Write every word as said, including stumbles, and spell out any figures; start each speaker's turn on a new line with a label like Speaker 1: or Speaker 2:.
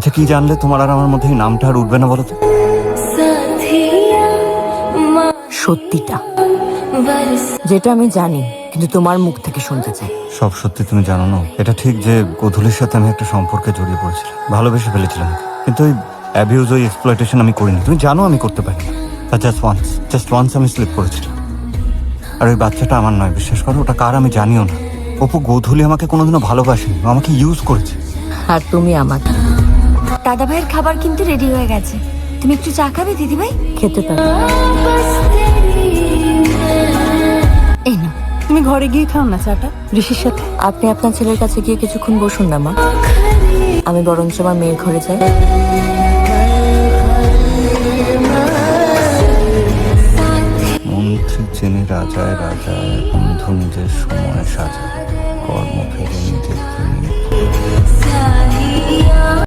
Speaker 1: আচ্ছা, কি জানলে তোমার আর আমার মধ্যে এই নামটা আর উঠবে না বলো তো?
Speaker 2: সত্যিটা, যেটা আমি জানি কিন্তু তোমার মুখ থেকে শুনতে চাই।
Speaker 1: সব সত্যি তুমি জানো না? এটা ঠিক যে গোধূলির সাথে আমি একটা সম্পর্কে জড়িয়ে পড়েছিলাম, ভালোবেসে ফেলেছিলাম, কিন্তু ওই অ্যাবিউজ, ওই এক্সপ্লয়টেশন আমি করিনি। তুমি জানো আমি করতে পারি না। জাস্ট ওয়ান্স জাস্ট ওয়ান্স আমি স্লিপ করেছিলাম। আর ওই বাচ্চাটা আমার নয়, বিশ্বাস করো। ওটা কার আমি জানিও না। অপু, গোধূলি আমাকে কোনোদিনও ভালোবাসেনি, ও আমাকে ইউজ করেছে।
Speaker 2: আর তুমি আমাকে।
Speaker 3: দাদা ভাইয়ের খাবার কিন্তু রেডি হয়ে গেছে, তুমি একটু চা খাবে দিদি ভাই?
Speaker 2: খেতে পারো।
Speaker 3: এই না,
Speaker 4: তুমি ঘরে গিয়ে খাও না চাটা ঋষির সাথে।
Speaker 2: আপনি আপনার ছেলের কাছে গিয়ে কিছুক্ষণ বসুন না মা, আমি বরঞ্চ আমার মেয়ের ঘরে যাই।
Speaker 1: মন্ত্রী চেনে রাজায় রাজায়, বন্ধু নিজের সময় সাজায়, কর্ম ফেরে নিজের